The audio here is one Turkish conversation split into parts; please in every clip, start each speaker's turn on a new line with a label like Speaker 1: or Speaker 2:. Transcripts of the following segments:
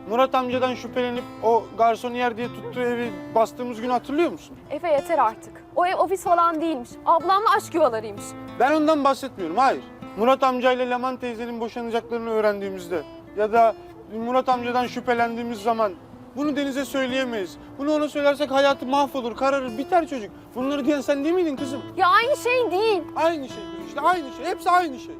Speaker 1: Murat amcadan şüphelenip o garsoniyer diye tuttuğu evi bastığımız günü hatırlıyor musun?
Speaker 2: Efe yeter artık. O ev ofis falan değilmiş. Ablamla aşk yuvalarıymış.
Speaker 1: Ben ondan bahsetmiyorum, hayır. Murat amcayla Leman teyzenin boşanacaklarını öğrendiğimizde ya da Murat amcadan şüphelendiğimiz zaman bunu Deniz'e söyleyemeyiz. Bunu ona söylersek hayatı mahvolur, kararır, biter çocuk. Bunları diyen sen değil miydin kızım?
Speaker 2: Ya aynı şey değil.
Speaker 1: Aynı şey işte, aynı şey. Hepsi aynı şey.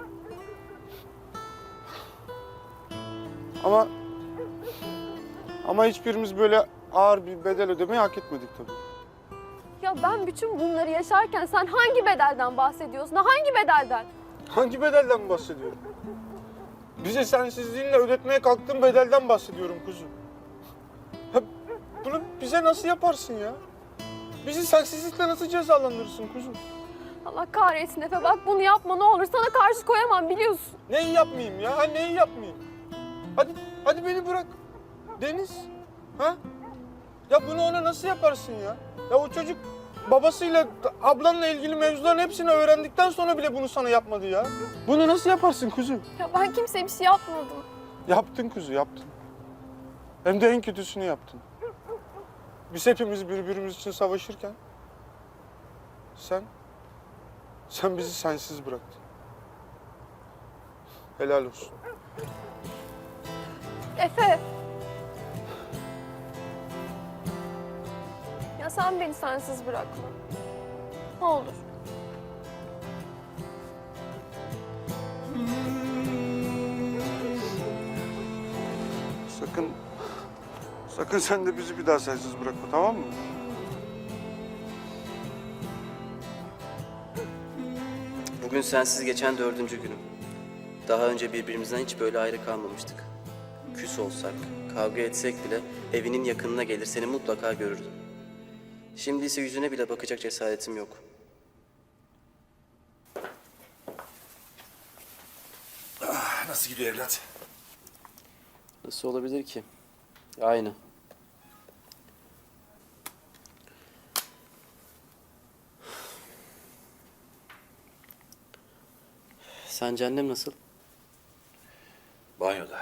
Speaker 1: Ama hiçbirimiz böyle ağır bir bedel ödemeyi hak etmedik tabii.
Speaker 2: Ya ben bütün bunları yaşarken sen hangi bedelden bahsediyorsun? Hangi bedelden?
Speaker 1: Hangi bedelden bahsediyorum? Bize sensizliğinle ödetmeye kalktığın bedelden bahsediyorum kuzum. Ya bunu bize nasıl yaparsın ya? Bizi sensizlikle nasıl cezalandırırsın kuzum?
Speaker 2: Allah kahretsin Efe, bak bunu yapma ne olur. Sana karşı koyamam biliyorsun.
Speaker 1: Neyi yapmayayım ya? Ha, neyi yapmayayım? Hadi beni bırak. Deniz. Ha? Ya bunu ona nasıl yaparsın ya? Ya o çocuk babasıyla, ablanla ilgili mevzuların hepsini öğrendikten sonra bile bunu sana yapmadı ya. Bunu nasıl yaparsın kuzum?
Speaker 2: Ya ben kimseye bir şey yapmadım.
Speaker 1: Yaptın kuzu, yaptın. Hem de en kötüsünü yaptın. Biz hepimiz birbirimiz için savaşırken sen bizi sensiz bıraktın. Helal olsun.
Speaker 2: Efe. Ya sen beni sensiz bırakma. Ne olur.
Speaker 1: Sakın sen de bizi bir daha sensiz bırakma, tamam mı?
Speaker 3: Bugün sensiz geçen 4. günüm. Daha önce birbirimizden hiç böyle ayrı kalmamıştık. Küs olsak, kavga etsek bile evinin yakınına gelir seni mutlaka görürdüm. Şimdi ise yüzüne bile bakacak cesaretim yok.
Speaker 4: Nasıl gidiyor evlat?
Speaker 3: Nasıl olabilir ki? Aynı. Sence annem nasıl?
Speaker 4: Banyoda.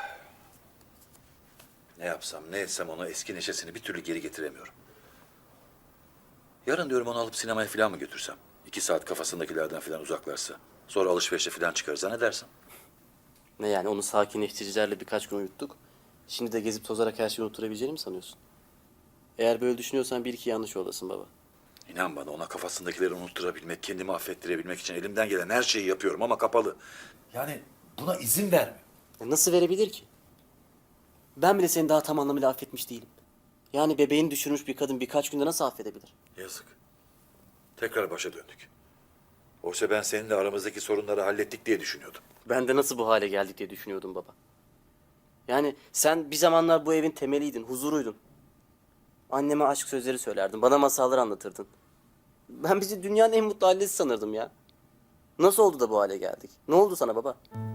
Speaker 4: Ne yapsam, ne etsem ona eski neşesini bir türlü geri getiremiyorum. Yarın diyorum onu alıp sinemaya falan mı götürsem? 2 saat kafasındakilerden falan uzaklarsa. Sonra alışverişe falan çıkarız, ha ne dersin?
Speaker 3: Ne yani onu sakinleştiricilerle birkaç gün uyuttuk. Şimdi de gezip tozarak her şeyi unutturabileceğini mi sanıyorsun? Eğer böyle düşünüyorsan bir iki yanlış yoldasın baba.
Speaker 4: İnan bana ona kafasındakileri unutturabilmek, kendimi affettirebilmek için elimden gelen her şeyi yapıyorum ama kapalı. Yani buna izin vermiyor.
Speaker 3: Nasıl verebilir ki? Ben bile seni daha tam anlamıyla affetmiş değilim. Yani bebeğini düşürmüş bir kadın birkaç günde nasıl affedebilir?
Speaker 4: Yazık. Tekrar başa döndük. Oysa ben seninle aramızdaki sorunları hallettik diye düşünüyordum.
Speaker 3: Ben de nasıl bu hale geldik diye düşünüyordum baba. Yani sen bir zamanlar bu evin temeliydin, huzuruydun. Anneme aşk sözleri söylerdin, bana masallar anlatırdın. Ben bizi dünyanın en mutlu ailesi sanırdım ya. Nasıl oldu da bu hale geldik? Ne oldu sana baba?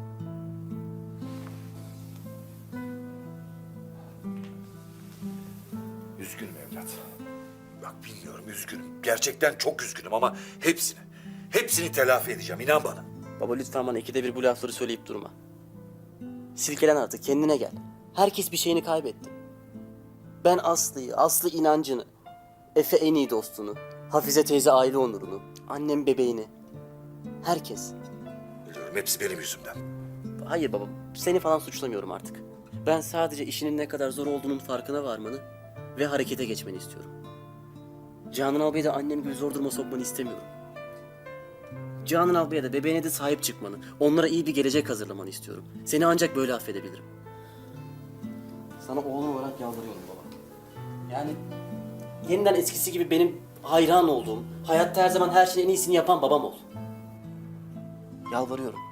Speaker 4: Üzgünüm evlat. Bak bilmiyorum üzgünüm. Gerçekten çok üzgünüm ama hepsini telafi edeceğim inan bana.
Speaker 3: Baba lütfen bana ikide bir bu lafları söyleyip durma. Silkelen artık, kendine gel. Herkes bir şeyini kaybetti. Ben Aslı'yı, Aslı inancını, Efe en iyi dostunu, Hafize teyze aile onurunu, annem bebeğini. Herkes.
Speaker 4: Biliyorum hepsi benim yüzümden.
Speaker 3: Hayır baba, seni falan suçlamıyorum artık. Ben sadece işinin ne kadar zor olduğunun farkına varmanı ve harekete geçmeni istiyorum. Canan abiye de annem gibi zor duruma sokmanı istemiyorum. Canan abiye de bebeğine de sahip çıkmanı, onlara iyi bir gelecek hazırlamanı istiyorum. Seni ancak böyle affedebilirim. Sana oğlum olarak yalvarıyorum baba. Yani yeniden eskisi gibi benim hayran olduğum, hayatta her zaman her şeyin en iyisini yapan babam ol. Yalvarıyorum.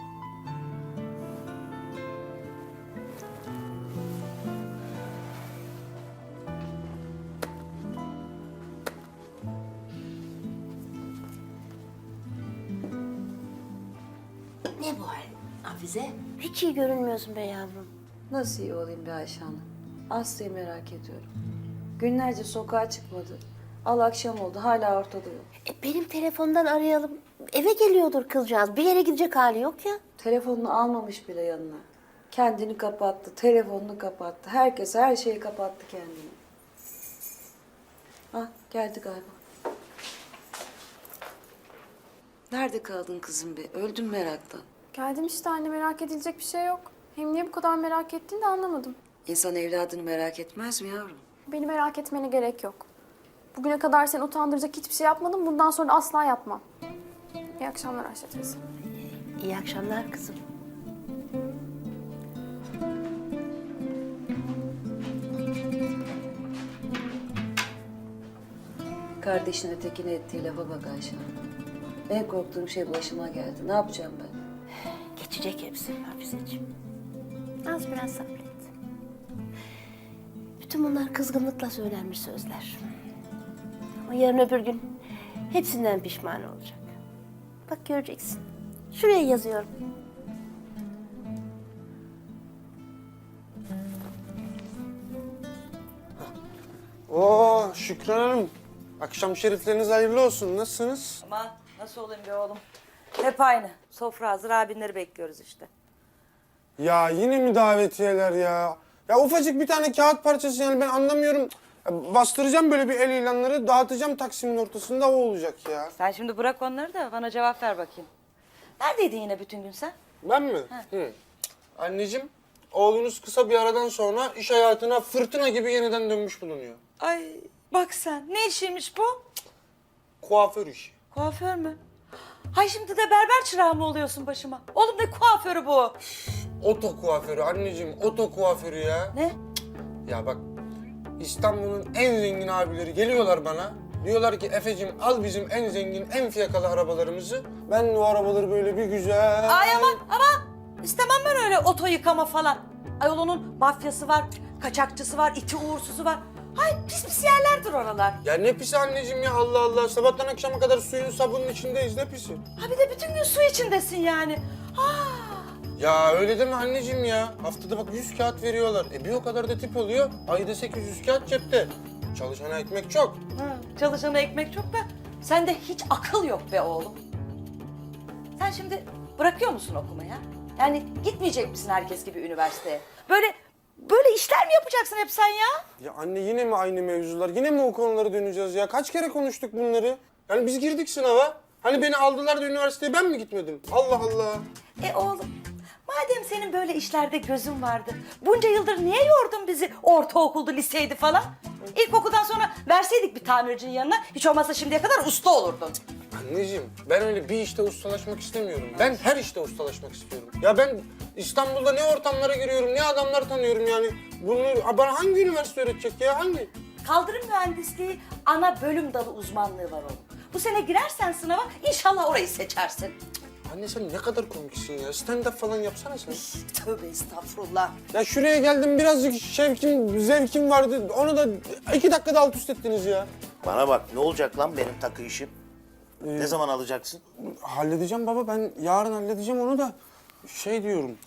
Speaker 5: Ne bu hal Hafize? Hiç iyi görünmüyorsun be yavrum.
Speaker 6: Nasıl iyi olayım be Ayşe Hanım? Aslı'yı merak ediyorum. Günlerce sokağa çıkmadı. Al akşam oldu hala ortada yok.
Speaker 5: Benim telefondan arayalım. Eve geliyordur kızcağız. Bir yere gidecek hali yok ya.
Speaker 6: Telefonunu almamış bile yanına. Kendini kapattı, telefonunu kapattı. Herkes her şeyi kapattı kendini. Ah geldi galiba. Nerede kaldın kızım be? Öldüm meraktan.
Speaker 7: Geldim işte anne, merak edilecek bir şey yok. Hem niye bu kadar merak ettiğini de anlamadım.
Speaker 6: İnsan evladını merak etmez mi yavrum?
Speaker 7: Beni merak etmene gerek yok. Bugüne kadar seni utandıracak hiçbir şey yapmadım. Bundan sonra asla yapmam. İyi akşamlar Ayşe teyze.
Speaker 5: İyi akşamlar kızım.
Speaker 6: Kardeşin ötekine ettiği lafa bak Ayşe. En korktuğum şey başıma geldi. Ne yapacağım ben?
Speaker 5: Geçecek hepsi Hafizeciğim. Az biraz sabret. Bütün bunlar kızgınlıkla söylenmiş sözler. Ama yarın öbür gün hepsinden pişman olacak. Bak göreceksin. Şuraya yazıyorum.
Speaker 1: Oo Şükran Hanım. Akşam şerifleriniz hayırlı olsun. Nasılsınız?
Speaker 8: Aman nasıl olayım be oğlum? Hep aynı. Sofra hazır, abinleri bekliyoruz işte.
Speaker 1: Ya yine mi davetiyeler ya? Ya ufacık bir tane kağıt parçası yani ben anlamıyorum. Ya bastıracağım böyle bir el ilanları, dağıtacağım Taksim'in ortasında o olacak ya.
Speaker 8: Sen şimdi bırak onları da bana cevap ver bakayım. Neredeydin yine bütün gün sen?
Speaker 1: Ben mi? Hı. Anneciğim, oğlunuz kısa bir aradan sonra iş hayatına fırtına gibi yeniden dönmüş bulunuyor.
Speaker 8: Ay bak sen, ne işiymiş bu?
Speaker 1: Kuaför işi.
Speaker 8: Kuaför mü? Hay şimdi de berber çırağı mı oluyorsun başıma? Oğlum ne kuaförü bu?
Speaker 1: Oto kuaförü anneciğim, oto kuaförü ya.
Speaker 8: Ne?
Speaker 1: Ya bak, İstanbul'un en zengin abileri geliyorlar bana. Diyorlar ki Efe'cim al bizim en zengin, en fiyakalı arabalarımızı. Ben de o arabaları böyle bir güzel...
Speaker 8: Ay aman! İstemem ben öyle oto yıkama falan. Ayol onun mafyası var, kaçakçısı var, iti uğursuzu var. Hay pis pis yerlerdir oralar.
Speaker 1: Ya ne pisi anneciğim ya Allah Allah. Sabahtan akşama kadar suyun sabunun içindeyiz ne pisi.
Speaker 8: Ha bir de bütün gün su içindesin yani.
Speaker 1: Ya öyle deme anneciğim ya. Haftada bak 100 kağıt veriyorlar. Bir o kadar da tip oluyor. Ayda 800 kağıt cepte. Çalışana ekmek çok.
Speaker 8: Çalışana ekmek çok da sende hiç akıl yok be oğlum. Sen şimdi bırakıyor musun okumaya? Yani gitmeyecek misin herkes gibi üniversiteye? Böyle işler mi yapacaksın hep sen ya?
Speaker 1: Ya anne yine mi aynı mevzular? Yine mi o konulara döneceğiz ya? Kaç kere konuştuk bunları? Yani biz girdik sınava. Hani beni aldılar da üniversiteye ben mi gitmedim? Allah Allah.
Speaker 8: Oğlum madem senin böyle işlerde gözün vardı, bunca yıldır niye yordun bizi ortaokuldu, liseydi falan? İlkokuldan sonra verseydik bir tamircinin yanına, hiç olmazsa şimdiye kadar usta olurdun.
Speaker 1: Anneciğim ben öyle bir işte ustalaşmak istemiyorum. Ben her işte ustalaşmak istiyorum. Ya ben İstanbul'da ne ortamlara giriyorum, ne adamlar tanıyorum yani. Bunu bana hangi üniversite öğretecek ya? Hangi?
Speaker 8: Kaldırım mühendisliği ana bölüm dalı uzmanlığı var oğlum. Bu sene girersen sınava inşallah orayı seçersin.
Speaker 1: Anne sen ne kadar komiksin ya. Stand-up falan yapsana sen.
Speaker 8: Tövbe estağfurullah.
Speaker 1: Ya şuraya geldim birazcık zevkim vardı. Onu da 2 dakikada alt üst ettiniz ya.
Speaker 9: Bana bak, ne olacak lan benim takı işim? Ne zaman alacaksın?
Speaker 1: Halledeceğim baba, ben yarın halledeceğim onu da. Şey diyorum,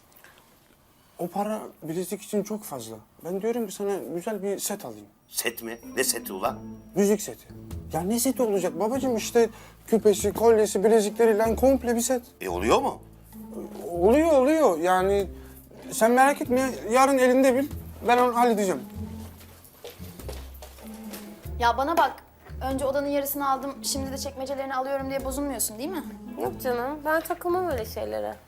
Speaker 1: o para bilezik için çok fazla. Ben diyorum ki sana güzel bir set alayım.
Speaker 9: Set mi? Ne seti ulan?
Speaker 1: Müzik seti. Ya ne seti olacak babacığım, işte küpesi, kolyesi, bilezikleriyle komple bir set.
Speaker 9: Oluyor mu?
Speaker 1: Oluyor yani. Sen merak etme, yarın elinde bil. Ben onu halledeceğim.
Speaker 7: Ya bana bak. Önce odanın yarısını aldım, şimdi de çekmecelerini alıyorum diye bozulmuyorsun değil mi?
Speaker 2: Yok canım, ben takılmam öyle şeylere.